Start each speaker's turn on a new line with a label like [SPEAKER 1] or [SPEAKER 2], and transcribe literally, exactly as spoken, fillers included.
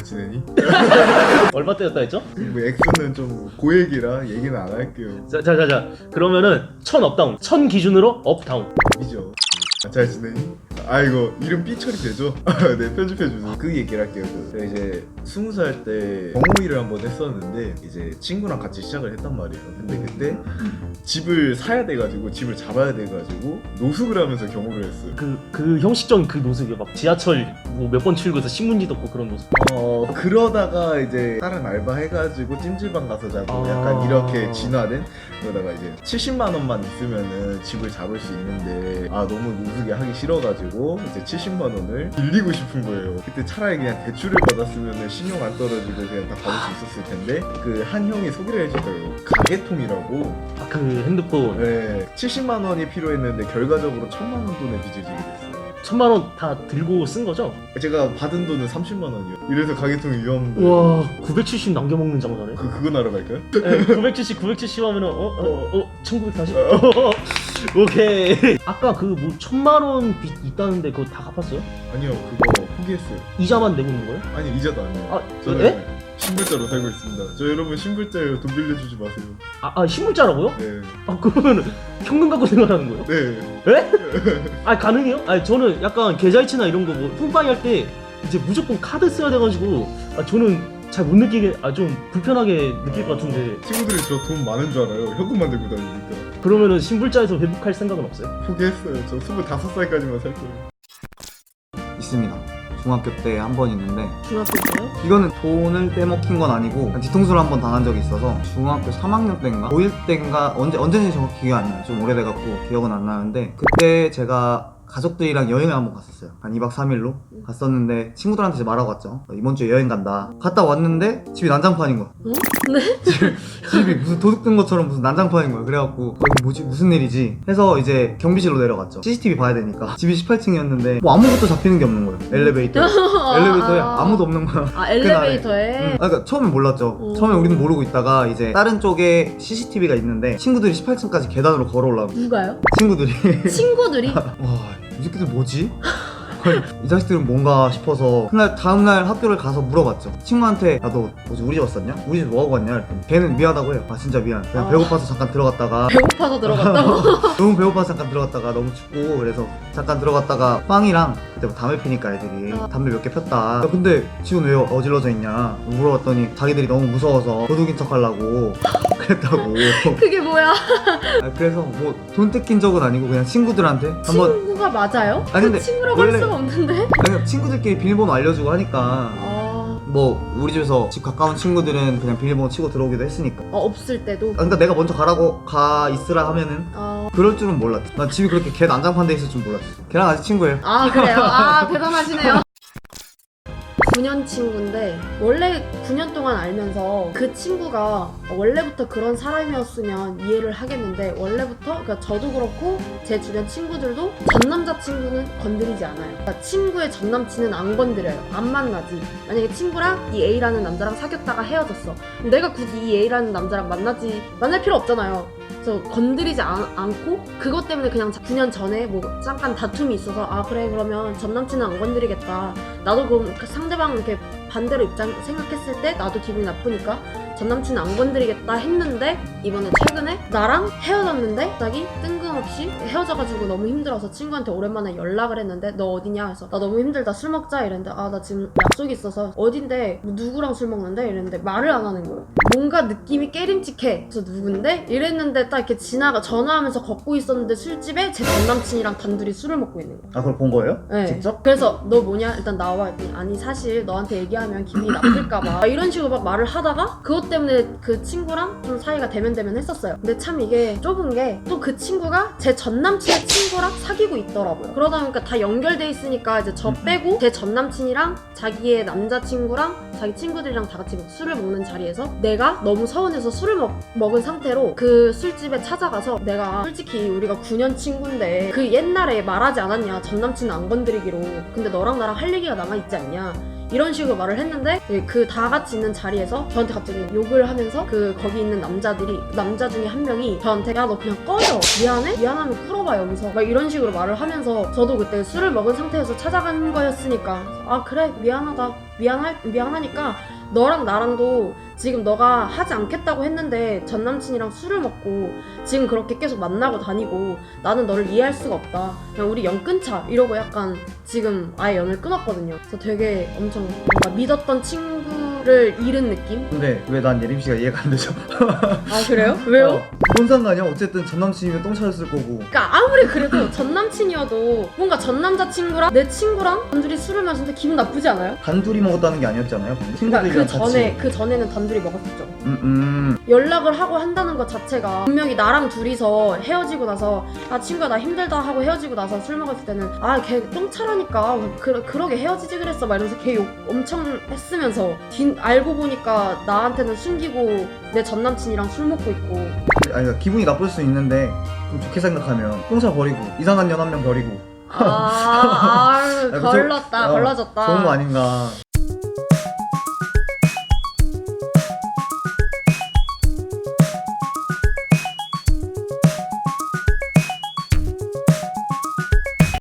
[SPEAKER 1] 지내니?
[SPEAKER 2] 얼마 때였다 했죠?
[SPEAKER 1] 뭐 액수는 좀 고액이라 얘기는 안 할게요.
[SPEAKER 2] 자자자자 그러면은 천 업다운 천 기준으로 업다운
[SPEAKER 1] 이죠. 잘 지내니? 아 이거 이름 삐 처리 되죠? 네 편집해주세요. 그 얘기를 할게요. 그 제가 이제 스무 살 때 경호일을 한번 했었는데 이제 친구랑 같이 시작을 했단 말이에요. 근데 그때 집을 사야 돼가지고 집을 잡아야 돼가지고 노숙을 하면서 경호를 했어요.
[SPEAKER 2] 그, 그 형식적인 그 노숙이요. 막 지하철 뭐 몇 번 출구해서 신문지 덮고 그런 노숙.
[SPEAKER 1] 어 그러다가 이제 다른 알바 해가지고 찜질방 가서 자고
[SPEAKER 2] 아.
[SPEAKER 1] 약간 이렇게 진화된. 그러다가 이제 칠십만 원만 있으면은 집을 잡을 수 있는데 아 너무 노숙이 하기 싫어가지고 이제 칠십만 원을 빌리고 싶은 거예요. 그때 차라리 그냥 대출을 받았으면은 신용 안 떨어지고 그냥 다 받을 수 있었을 텐데 그 한 형이 소개를 해주더라고요. 가게통이라고.
[SPEAKER 2] 아, 그 핸드폰
[SPEAKER 1] 네, 칠십만 원이 필요했는데 결과적으로 천만 원 돈에 빚을 지게 됐어요.
[SPEAKER 2] 천만 원 다 들고 쓴 거죠?
[SPEAKER 1] 제가 받은 돈은 삼십만 원이요. 이래서 가게통이 위험한데.
[SPEAKER 2] 와 구백칠십 남겨먹는 장사네.
[SPEAKER 1] 그 그거 나러 갈까요?
[SPEAKER 2] 네, 구백칠십 구백칠십 하면은 어? 어? 어? 천구백사십? 오케이. 아까 그 뭐 천만 원 빚 있다는데 그거 다 갚았어요?
[SPEAKER 1] 아니요, 그거 포기했어요.
[SPEAKER 2] 이자만 내고 있는 거예요?
[SPEAKER 1] 아니 이자도 안 내요.
[SPEAKER 2] 아,
[SPEAKER 1] 저는
[SPEAKER 2] 에?
[SPEAKER 1] 신불자로 살고 있습니다. 저 여러분 신불자예요. 돈 빌려주지 마세요.
[SPEAKER 2] 아, 아 신불자라고요?
[SPEAKER 1] 네.
[SPEAKER 2] 아 그러면 현금 갖고 생활하는 거예요?
[SPEAKER 1] 네.
[SPEAKER 2] 에? 아 가능해요? 아니 저는 약간 계좌이체나 이런 거 뭐 뿜빠이 할 때 이제 무조건 카드 써야 돼가지고 아 저는 잘 못 느끼게 아 좀 불편하게 느낄 것 같은데
[SPEAKER 1] 친구들이 저 돈 많은 줄 알아요. 현금만 들고 다니니까.
[SPEAKER 2] 그러면은 신불자에서 회복할 생각은 없어요?
[SPEAKER 1] 포기했어요. 저 스물다섯 살까지만 살 거예요.
[SPEAKER 3] 있습니다. 중학교 때 한 번 있는데
[SPEAKER 4] 중학교 때요?
[SPEAKER 3] 이거는 돈을 떼먹힌 건 아니고 뒤통수를 한 번 당한 적이 있어서 중학교 삼 학년 때인가 고일 때인가 언제 언제인지 정확히 기억이 안 나요. 좀 오래돼갖고 기억은 안 나는데 그때 제가 가족들이랑 여행을 한번 갔었어요. 한 이 박 삼 일로 갔었는데 친구들한테 이제 말하고 갔죠. 이번 주에 여행 간다. 갔다 왔는데 집이 난장판인 거야.
[SPEAKER 4] 어? 네?
[SPEAKER 3] 집이 무슨 도둑 든 것처럼 무슨 난장판인 거야. 그래갖고 어, 이거 뭐지? 무슨 일이지? 해서 이제 경비실로 내려갔죠. 씨씨티비 봐야 되니까. 집이 십팔 층이었는데 뭐 아무것도 잡히는 게 없는 거예요. 엘리베이터. 엘리베이터에 아무도 없는 거야.
[SPEAKER 4] 아 엘리베이터에?
[SPEAKER 3] 응. 아, 그러니까 처음엔 몰랐죠.
[SPEAKER 4] 오.
[SPEAKER 3] 처음에 우리는 모르고 있다가 이제 다른 쪽에 씨씨티비가 있는데 친구들이 십팔 층까지 계단으로 걸어 올라오고
[SPEAKER 4] 누가요?
[SPEAKER 3] 친구들이
[SPEAKER 4] 친구들이?
[SPEAKER 3] 와, 이 새끼들 뭐지? 아니, 이 자식들은 뭔가 싶어서 그날 다음날 학교를 가서 물어봤죠. 친구한테 야 너 뭐지 우리 집 왔었냐? 우리 집 뭐하고 왔냐? 이랬더니 걔는 미안하다고 해요. 아 진짜 미안. 그냥
[SPEAKER 4] 아.
[SPEAKER 3] 배고파서 잠깐 들어갔다가
[SPEAKER 4] 배고파서 들어갔다고?
[SPEAKER 3] 너무 배고파서 잠깐 들어갔다가 너무 춥고 그래서 잠깐 들어갔다가 빵이랑 그때 뭐 담배 피니까 애들이
[SPEAKER 4] 어.
[SPEAKER 3] 담배 몇 개 폈다. 야, 근데 지금 왜 어질러져 있냐? 물어봤더니 자기들이 너무 무서워서 도둑인 척 하려고 그랬다고.
[SPEAKER 4] 그게 뭐야?
[SPEAKER 3] 아, 그래서 뭐 돈 뜯긴 적은 아니고 그냥 친구들한테 한번
[SPEAKER 4] 친구가 맞아요?
[SPEAKER 3] 아니, 근데
[SPEAKER 4] 그 친구라고 할
[SPEAKER 3] 원래-
[SPEAKER 4] 수가 없는데?
[SPEAKER 3] 아니, 그냥 친구들끼리 비밀번호 알려주고 하니까
[SPEAKER 4] 아...
[SPEAKER 3] 뭐 우리 집에서 집 가까운 친구들은 그냥 비밀번호 치고 들어오기도 했으니까.
[SPEAKER 4] 어, 없을 때도?
[SPEAKER 3] 아, 그러니까 내가 먼저 가라고 가 있으라 하면은
[SPEAKER 4] 아...
[SPEAKER 3] 그럴 줄은 몰랐지. 난 집이 그렇게 걔 난장판 돼 있을 줄 몰랐어. 걔랑 아직 친구예요.
[SPEAKER 4] 아 그래요? 아 대단하시네요. 구 년 친구인데 원래 구 년 동안 알면서 그 친구가 원래부터 그런 사람이었으면 이해를 하겠는데 원래부터 그러니까 저도 그렇고 제 주변 친구들도 전 남자친구는 건드리지 않아요. 그러니까 친구의 전 남친은 안 건드려요. 안 만나지. 만약에 친구랑 이 A라는 남자랑 사귀었다가 헤어졌어. 내가 굳이 이 A라는 남자랑 만나지 만날 필요 없잖아요. 그래서 건드리지 않, 않고 그것 때문에 그냥 구 년 전에 뭐 잠깐 다툼이 있어서 아 그래 그러면 전 남친은 안 건드리겠다. 나도 그럼 그 상대방 이렇게 반대로 입장 생각했을 때 나도 기분이 나쁘니까 전 남친은 안 건드리겠다 했는데 이번에 최근에 나랑 헤어졌는데 갑자기 뜬금없이 헤어져가지고 너무 힘들어서 친구한테 오랜만에 연락을 했는데 너 어디냐 해서 나 너무 힘들다 술 먹자 이랬는데 아 나 지금 약속이 있어서 어딘데 뭐 누구랑 술 먹는데 이랬는데 말을 안 하는 거예요. 뭔가 느낌이 깨림칙해. 그래서 누군데? 이랬는데 딱 이렇게 지나가 전화하면서 걷고 있었는데 술집에 제 전 남친이랑 단둘이 술을 먹고 있는 거예요.
[SPEAKER 3] 아 그걸 본 거예요?
[SPEAKER 4] 네.
[SPEAKER 3] 직접?
[SPEAKER 4] 그래서 너 뭐냐? 일단 나와 했더니 아니 사실 너한테 얘기하면 기분이 나쁠까봐 이런 식으로 막 말을 하다가 그것 때문에 그 친구랑 좀 사이가 대면대면 했었어요. 근데 참 이게 좁은 게 또 그 친구가 제 전남친의 친구랑 사귀고 있더라고요. 그러다 보니까 다 연결돼 있으니까 이제 저 빼고 제 전남친이랑 자기의 남자친구랑 자기 친구들이랑 다 같이 술을 먹는 자리에서 내가 너무 서운해서 술을 먹, 먹은 상태로 그 술집에 찾아가서 내가 솔직히 우리가 구 년 친구인데 그 옛날에 말하지 않았냐 전남친은 안 건드리기로. 근데 너랑 나랑 할 얘기가 남아있지 않냐 이런 식으로 말을 했는데 그 다 같이 있는 자리에서 저한테 갑자기 욕을 하면서 그 거기 있는 남자들이 남자 중에 한 명이 저한테 야 너 그냥 꺼져 미안해? 미안하면 풀어봐 여기서 막 이런 식으로 말을 하면서 저도 그때 술을 먹은 상태에서 찾아간 거였으니까 아 그래 미안하다 미안할 미안하니까 너랑 나랑도 지금 너가 하지 않겠다고 했는데 전 남친이랑 술을 먹고 지금 그렇게 계속 만나고 다니고 나는 너를 이해할 수가 없다. 그냥 우리 연 끊자 이러고 약간 지금 아예 연을 끊었거든요. 그래서 되게 엄청 뭔가 믿었던 친구를 잃은 느낌?
[SPEAKER 3] 근데 왜 난 예림 씨가 이해가 안 되죠?
[SPEAKER 4] 아 그래요? 왜요?
[SPEAKER 3] 어, 뭔 상관이야? 어쨌든 전 남친이면 똥 차였을 거고.
[SPEAKER 4] 그러니까 아무리 그래도 전 남친이어도 뭔가 전 남자친구랑 내 친구랑 단둘이 술을 마시는데 기분 나쁘지 않아요?
[SPEAKER 3] 단둘이 먹었다는 게 아니었잖아요.
[SPEAKER 4] 그러니까
[SPEAKER 3] 친구들이랑
[SPEAKER 4] 그 전에 그 전에는 단둘이 먹었었죠.
[SPEAKER 3] 음, 음.
[SPEAKER 4] 연락을 하고 한다는 것 자체가 분명히 나랑 둘이서 헤어지고 나서 아 친구야 나 힘들다 하고 헤어지고 나서 술 먹었을 때는 아 걔 똥차라니까 그, 그러게 헤어지지 그랬어 막 이러면서 걔 욕 엄청 했으면서 뒤, 알고 보니까 나한테는 숨기고 내 전남친이랑 술 먹고 있고
[SPEAKER 3] 아니, 그러니까 기분이 나쁠 수 있는데 좀 좋게 생각하면 똥차 버리고 이상한 년 한 명 버리고
[SPEAKER 4] 아, 아
[SPEAKER 3] 그
[SPEAKER 4] 걸렀다
[SPEAKER 3] 저- 어,
[SPEAKER 4] 걸러졌다
[SPEAKER 3] 좋은 거 아닌가.